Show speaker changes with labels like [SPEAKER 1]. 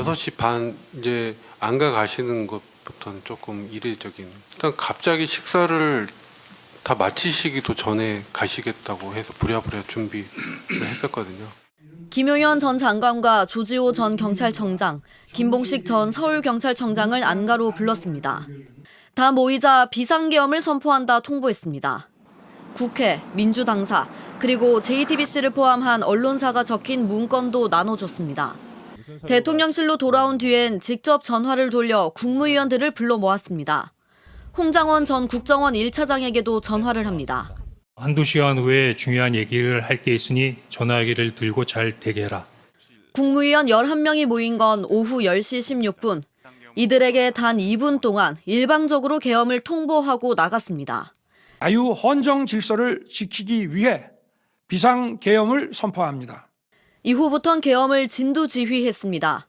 [SPEAKER 1] 5시 반 이제 안가 가시는 것부터는 조금 이례적인. 일단 갑자기 식사를 다 마치시기도 전에 가시겠다고 해서 부랴부랴 준비를 했었거든요.
[SPEAKER 2] 김용현 전 장관과 조지호 전 경찰청장, 김봉식 전 서울경찰청장을 안가로 불렀습니다. 다 모이자 비상계엄을 선포한다 통보했습니다. 국회, 민주당사, 그리고 JTBC를 포함한 언론사가 적힌 문건도 나눠줬습니다. 대통령실로 돌아온 뒤엔 직접 전화를 돌려 국무위원들을 불러 모았습니다. 홍장원 전 국정원 1차장에게도 전화를 합니다.
[SPEAKER 3] 한두 시간 후에 중요한 얘기를 할 게 있으니 전화기를 들고 잘 대기해라.
[SPEAKER 2] 국무위원 11명이 모인 건 오후 10시 16분. 이들에게 단 2분 동안 일방적으로 계엄을 통보하고 나갔습니다.
[SPEAKER 4] 자유 헌정 질서를 지키기 위해 비상계엄을 선포합니다.
[SPEAKER 2] 이후부턴 계엄을 진두지휘했습니다.